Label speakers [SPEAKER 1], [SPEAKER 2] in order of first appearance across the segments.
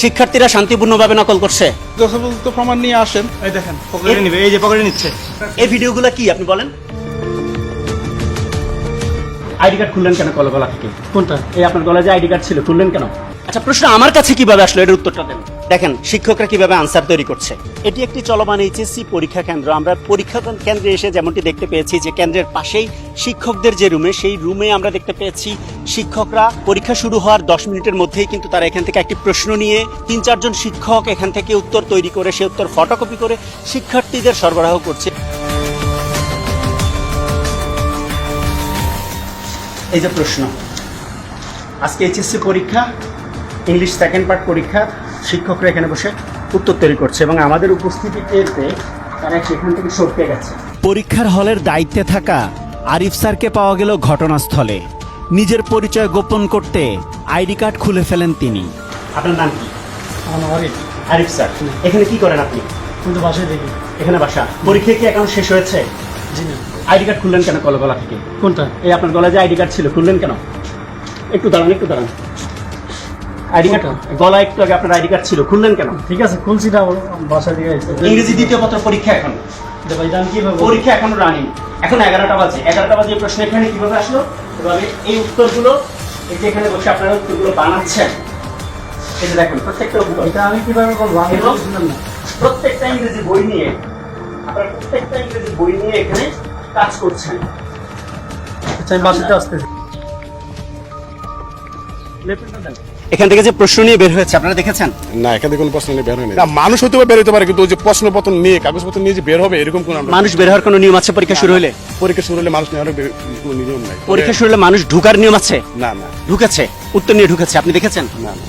[SPEAKER 1] শিক্ষার্থীরা শান্তিপূর্ণভাবে নকল করছে।
[SPEAKER 2] যথাযথ প্রমাণ নিয়ে আসেন, এই দেখেন পকেটে নিবে, এই যে পকেটে নিচ্ছে।
[SPEAKER 1] এই ভিডিওগুলো কি আপনি বলেন? আইডি কার্ড খুললেন কেন গলা থেকে?
[SPEAKER 2] কোনটা?
[SPEAKER 1] এই আপনার গলায় যে আইডি কার্ড ছিল খুললেন কেন? আচ্ছা, প্রশ্ন আমার কাছে কিভাবে আসলো এর উত্তরটা দেন। দেখেন শিক্ষকরা কিভাবে আনসার তৈরি করছে। এটি একটি চলমান এইচএসসি পরীক্ষা কেন্দ্র। আমরা পরীক্ষা কেন্দ্রে এসে যেমনটি দেখতে পেয়েছি যে কেন্দ্রের পাশেই শিক্ষকদের যে রুমে, সেই রুমে আমরা দেখতে পেয়েছি শিক্ষকরা পরীক্ষা শুরু হওয়ার 10 মিনিটের মধ্যেই কিন্তু তারা এখান থেকে একটি প্রশ্ন নিয়ে 3-4 জন শিক্ষক এখান থেকে উত্তর তৈরি করে সে উত্তর ফটোকপি করে শিক্ষার্থীদের সরবরাহ করছে। এই যে প্রশ্ন, আজকে এইচএসসি পরীক্ষা, ইংলিশ সেকেন্ড পার্ট পরীক্ষা, শিক্ষকরা এখানে বসে উত্তর তৈরি করছে এবং আমাদের উপস্থিতি টের পেয়ে তারা সেখান থেকে সরতে গেছে। পরীক্ষার হলের দায়িত্বে থাকা আরিফ স্যারকে পাওয়া গেল ঘটনাস্থলে। নিজের পরিচয় গোপন করতে আইডি কার্ড খুলে ফেলেন তিনি। আপনার নাম কি? আরিফ স্যার। এখানে কি করেন আপনি?
[SPEAKER 2] কিন্তু বাসায় দেখি।
[SPEAKER 1] এখানে বাসা। পরীক্ষা কি এখন শেষ হয়েছে?
[SPEAKER 2] জি না।
[SPEAKER 1] আইডি কার্ড খুললেন কেন গলা থেকে?
[SPEAKER 2] কোনটা?
[SPEAKER 1] এই আপনার গলায় যে আইডি কার্ড ছিল খুললেন কেন? একটু দাঁড়ান। আইডি কার্ড গলা একটু আগে আপনার আইডি কার্ড ছিল, খুললেন কেন?
[SPEAKER 2] ঠিক আছে, খুলছি না, বাসায় দিয়ে আসছে।
[SPEAKER 1] ইংরেজি দ্বিতীয় পত্র পরীক্ষা এখন।
[SPEAKER 2] ভাই জান কিভাবে?
[SPEAKER 1] পরীক্ষা এখনো রানিং। এখন 11টা বাজে। 11টা বাজে প্রশ্ন এখানে কিভাবে আসলো? এভাবে এই উত্তরগুলো এই যে এখানে বসে আপনারা উত্তরগুলো বানাচ্ছেন। এই যে দেখুন প্রত্যেকটা উত্তর।
[SPEAKER 2] এটা আমি কিভাবে বলবো? আমি
[SPEAKER 1] এবং
[SPEAKER 2] বুঝলাম না।
[SPEAKER 1] প্রত্যেকটা ইংরেজি বই নিয়ে আপনারা প্রত্যেকটা ইংরেজি বই নিয়ে এখানে কাজ করছেন।
[SPEAKER 2] আচ্ছা, আমি বাসাতে আসতেছি।
[SPEAKER 1] এখান থেকে যে প্রশ্ন নিয়ে বের হয়েছে আপনারা দেখেছেন?
[SPEAKER 3] না, এখান থেকে কোনো প্রশ্ন নিয়ে বের হয়নি। না, মানুষ হয়তো বের হতে পারে, কিন্তু ওই যে প্রশ্নপত্র নিয়ে কাগজপত্র নিয়ে যে বের হবে এরকম কোনো
[SPEAKER 1] মানুষ বের হওয়ার কোনো নিয়ম আছে পরীক্ষা শুরু হলে?
[SPEAKER 3] পরীক্ষা শুরু হলে মানুষ নেওয়ার কোনো নিয়ম নাই।
[SPEAKER 1] পরীক্ষা শুরু হলে মানুষ ঢুকার নিয়ম আছে?
[SPEAKER 3] না না
[SPEAKER 1] ঢুকেছে, উত্তর নিয়ে ঢুকেছে, আপনি দেখেছেন?
[SPEAKER 3] না না।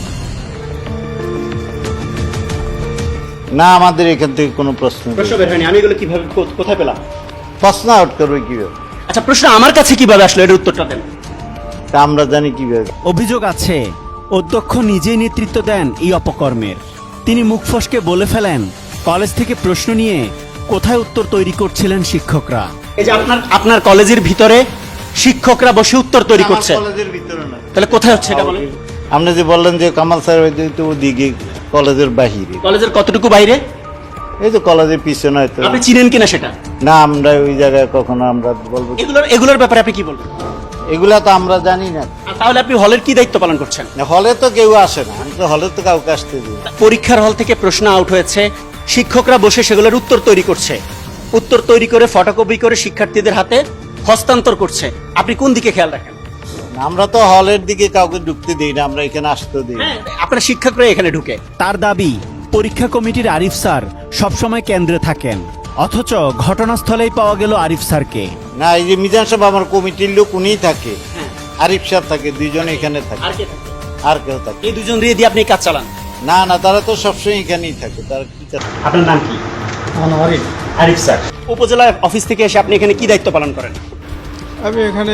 [SPEAKER 4] না, আমাদের এখান থেকে কোনো প্রশ্ন নেই।
[SPEAKER 1] প্রশ্ন বের হয়নি। আমি এগুলো কিভাবে কোথায় পেলাম?
[SPEAKER 4] প্রশ্ন আউট করবে কিভাবে?
[SPEAKER 1] আচ্ছা, প্রশ্ন আমার কাছে কিভাবে আসলো এর উত্তরটা দেন।
[SPEAKER 4] তা আমরা জানি কিভাবে?
[SPEAKER 5] অভিযোগ আছে অধ্যক্ষ নিজেই নেতৃত্ব দেন এই অপকর্মের। তিনি মুখ ফসকে বলে ফেলেন কলেজ থেকে প্রশ্ন নিয়ে কোথায় উত্তর তৈরি করছিলেন শিক্ষকরা।
[SPEAKER 1] এই যে আপনার কলেজের ভিতরে শিক্ষকরা বসে উত্তর তৈরি করছে,
[SPEAKER 4] কলেজের ভিতরে না।
[SPEAKER 1] তাহলে কোথায় হচ্ছে এটা বলেন?
[SPEAKER 4] আপনি যে বললেন যে কামাল স্যার হয়তো ওদিকে কলেজের বাহিরে,
[SPEAKER 1] কলেজের কতটুকু বাইরে?
[SPEAKER 4] এই তো কলেজের পিছনে হয়তো।
[SPEAKER 1] আপনি চিনেন কিনা সেটা?
[SPEAKER 4] না, আমরা ওই জায়গায় কখনো আমরা বলবো কি?
[SPEAKER 1] এগুলোর ব্যাপারে আপনি কি বলবেন?
[SPEAKER 4] এগুলা তো আমরা জানি না।
[SPEAKER 1] তাহলে আপনি হলের কি দায়িত্ব পালন করছেন?
[SPEAKER 4] হলে তো কেউ আসে না, আমি তো হলে তো কাউকে আসতে দিই না।
[SPEAKER 1] পরীক্ষার হল থেকে প্রশ্ন আউট হয়েছে, শিক্ষকরা বসে সেগুলোর উত্তর তৈরি করছে, উত্তর তৈরি করে ফটোকপি করে শিক্ষার্থীদের হাতে হস্তান্তর করছে। আপনি কোন দিকে খেয়াল রাখেন?
[SPEAKER 4] আমরা তো হলের দিকে কাউকে ঢুকতে দিই না, আমরা এখানে আসতে দিই না।
[SPEAKER 1] আপনার শিক্ষকরা এখানে ঢুকে।
[SPEAKER 5] তার দাবি পরীক্ষা কমিটির আরিফ স্যার সবসময় কেন্দ্রে থাকেন, অথচ ঘটনাস্থলেই পাওয়া গেল আরিফ স্যারকে।
[SPEAKER 4] না, এই যে মিজান সাহেব আমার কমিটির লোক, উনিই থাকে, আরিফ সাহেব থাকে, দুইজনে এখানে থাকে,
[SPEAKER 1] আর কে থাকে?
[SPEAKER 4] আর কেউ থাকে?
[SPEAKER 1] এই দুজন দিয়ে আপনি কাজ চালান?
[SPEAKER 4] না না, তারা তো সবসময় এখানেই থাকে। তারা কি করে?
[SPEAKER 1] আপনার নাম কি?
[SPEAKER 2] আমার আরিফ।
[SPEAKER 1] আরিফ স্যার। উপজেলা অফিস থেকে এসে আপনি এখানে কি দায়িত্ব পালন করেন?
[SPEAKER 2] আমি এখানে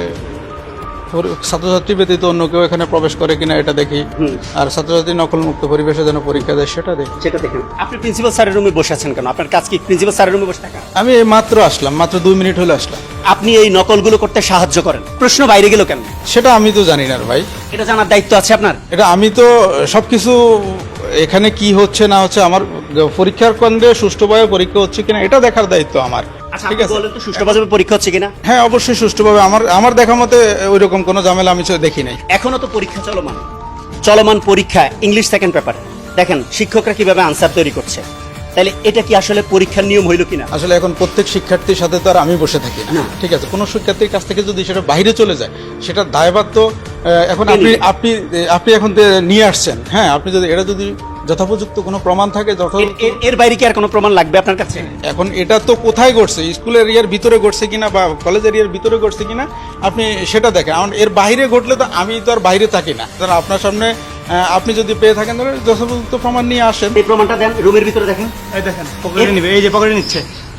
[SPEAKER 2] ছাত্রছাত্রী ব্যতীত অন্য কেউ এখানে প্রবেশ করে কিনা এটা দেখি, আর ছাত্রছাত্রী নকলমুক্ত পরিবেশে যেন পরীক্ষা দেয় সেটা দেখি।
[SPEAKER 1] সেটা দেখেন। আপনি প্রিন্সিপাল স্যারের রুমে বসে আছেন কেন? আপনার কাজ কি প্রিন্সিপাল স্যারের রুমে বসে থাকা?
[SPEAKER 2] আমি এই মাত্র আসলাম, মাত্র 2 মিনিট হলে আসলাম।
[SPEAKER 1] আপনি এই নকলগুলো করতে সাহায্য করেন, প্রশ্ন বাইরে গেল কেন?
[SPEAKER 2] সেটা আমি তো জানি না রে ভাই।
[SPEAKER 1] এটা জানার দায়িত্ব আছে আপনার।
[SPEAKER 2] এটা আমি তো সবকিছু এখানে কি হচ্ছে না হচ্ছে, আমার পরীক্ষার কেন্দ্রে সুষ্ঠুভাবে পরীক্ষা হচ্ছে কিনা এটা দেখার দায়িত্ব আমার।
[SPEAKER 1] আচ্ছা,
[SPEAKER 2] ঠিক
[SPEAKER 1] আপনি
[SPEAKER 2] আছে,
[SPEAKER 1] বলেন তো সুষ্ঠুভাবে পরীক্ষা হচ্ছে কিনা?
[SPEAKER 2] হ্যাঁ অবশ্যই সুষ্ঠুভাবে। আমার দেখা মতে ওইরকম কোনো ঝামেলা আমি দেখি নাই।
[SPEAKER 1] এখনো তো পরীক্ষা চলমান পরীক্ষা ইংলিশ সেকেন্ড পেপার। দেখেন শিক্ষকরা কিভাবে আনসার তৈরি করছে। তাহলে এটা কি আসলে পরীক্ষার নিয়ম হইল কিনা?
[SPEAKER 2] আসলে এখন প্রত্যেক শিক্ষার্থীর সাথে তো আর আমি বসে থাকি না,
[SPEAKER 1] না।
[SPEAKER 2] ঠিক আছে। কোনো শিক্ষার্থীর কাছ থেকে যদি সেটা বাইরে চলে যায়, সেটা দায়ভার তো এখন আপনি এখন নিয়ে আসছেন। হ্যাঁ, আপনি যদি এটা যদি যথোপযুক্ত কোনো প্রমাণ থাকে,
[SPEAKER 1] এর বাইরে কি আর কোনো প্রমাণ লাগবে আপনার কাছে?
[SPEAKER 2] এখন এটা তো কোথায় ঘটছে, স্কুল এরিয়ার ভিতরে ঘটছে কিনা বা কলেজ এরিয়ার ভিতরে ঘটছে কিনা আপনি সেটা দেখেন। এখন এর বাইরে ঘটলে তো আমি তো আর বাইরে থাকি না। আপনার সামনে আপনি যদি পেয়ে থাকেন তাহলে যথোপযুক্ত প্রমাণ নিয়ে আসেন।
[SPEAKER 1] এই প্রমাণটা দেন, রুমের ভিতরে দেখেন।
[SPEAKER 2] এই দেখেন পকেটে নিবে, এই যে পকেটে নিচ্ছে।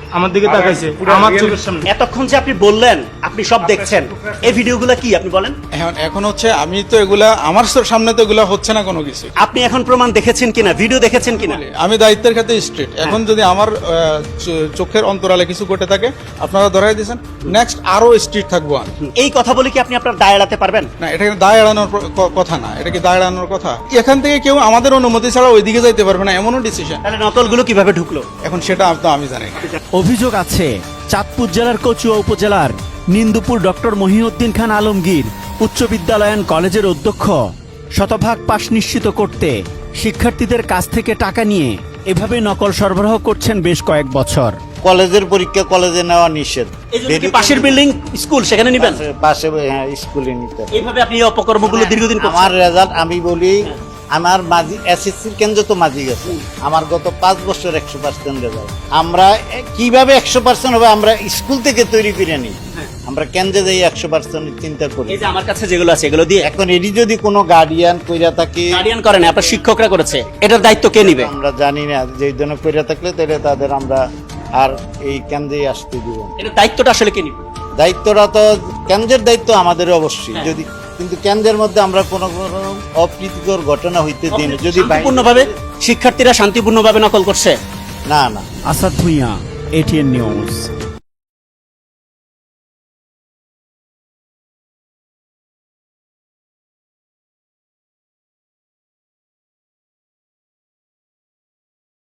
[SPEAKER 6] আমার দিকে তাকাইছে আমার চোখের সামনে।
[SPEAKER 1] এতক্ষণ যে আপনি বললেন আপনি সব দেখছেন, এই ভিডিওগুলো কি আপনি বলেন?
[SPEAKER 2] এখন হচ্ছে আমি তো এগুলা আমার সামনে তো এগুলা হচ্ছে না কোনো কিছু।
[SPEAKER 1] আপনি এখন প্রমাণ দেখেছেন কিনা, ভিডিও দেখেছেন কিনা?
[SPEAKER 2] আমি দায়িত্বের ক্ষেত্রে স্ট্রিট। এখন যদি আমার চোখের অন্তরালে কিছু ঘটে থাকে আপনারা ধরাই দিয়েছেন, নেক্সট আরো স্ট্রিট থাকবো আমি।
[SPEAKER 1] এই কথা বলে কি আপনি আপনার দায় এড়াতে পারবেন?
[SPEAKER 2] না, এটা কি দায় এড়ানোর কথা না, এটা কি দায় এড়ানোর কথা? এখান থেকে কেউ আমাদের অনুমতি ছাড়া ওইদিকে যাইতে পারবে না, এমনও ডিসিশন।
[SPEAKER 1] তাহলে নকলগুলো কিভাবে ঢুকলো?
[SPEAKER 2] এখন সেটা তো আমি জানি না।
[SPEAKER 5] অভিযোগ আছে চাঁদপুর জেলার কচুয়া উপজেলার নিন্দুপুর ডক্টর মহিউদ্দিন খান আলমগীর উচ্চ বিদ্যালয় অ্যান্ড কলেজের অধ্যক্ষ শতভাগ পাশ নিশ্চিত করতে শিক্ষার্থীদের কাছ থেকে টাকা নিয়ে এভাবে নকল সরবরাহ করছেন বেশ কয়েক বছর।
[SPEAKER 4] কলেজের পরীক্ষা কলেজে নেওয়া নিষেধ।
[SPEAKER 1] এই জন্য কি পাশের বিল্ডিং স্কুল সেখানে নিবেন?
[SPEAKER 4] পাশে হ্যাঁ, স্কুলে নিতে হবে।
[SPEAKER 1] এইভাবে আপনি এই অপকর্মগুলো দীর্ঘদিন করছেন।
[SPEAKER 4] আমার রেজাল্ট আমি বলি, আমার মাঝি এসএসসির কেন্দ্র তো মাঝি গেছে, আমার গত 5 বছর 100% রেজাল্ট। আমরা কিভাবে 100% হবে আমরা স্কুল থেকে তৈরি করে নিই, আমরা কেন্দ্রে যাই 100% চিন্তা করি।
[SPEAKER 1] এই যে আমার কাছে যেগুলো আছে এগুলো দিয়ে
[SPEAKER 4] এখন এটি যদি কোনো গার্ডিয়ান কইরা থাকে,
[SPEAKER 1] গার্ডিয়ান করেন আপনার শিক্ষকরা করেছে, এটার দায়িত্ব কে নিবে?
[SPEAKER 4] আমরা জানি না, যে ধরনের কইরা থাকলে তাহলে তাদের আমরা আর এই কেন্দ্রে আসতে দিব না।
[SPEAKER 1] এটার দায়িত্বটা আসলে কে নিবে?
[SPEAKER 4] দায়িত্বটা তো কেন্দ্রের দায়িত্ব আমাদের অবশ্যই। যদি কিন্তু কেন্দ্রের মধ্যে আমরা কোনো অপ্রীতিকর ঘটনা হইতে দিই না, যদি
[SPEAKER 1] শান্তিপূর্ণভাবে শিক্ষার্থীরা শান্তিপূর্ণভাবে নকল করছে।
[SPEAKER 4] না না
[SPEAKER 5] আসাদ ভুঁইয়া, এটিএন নিউজ।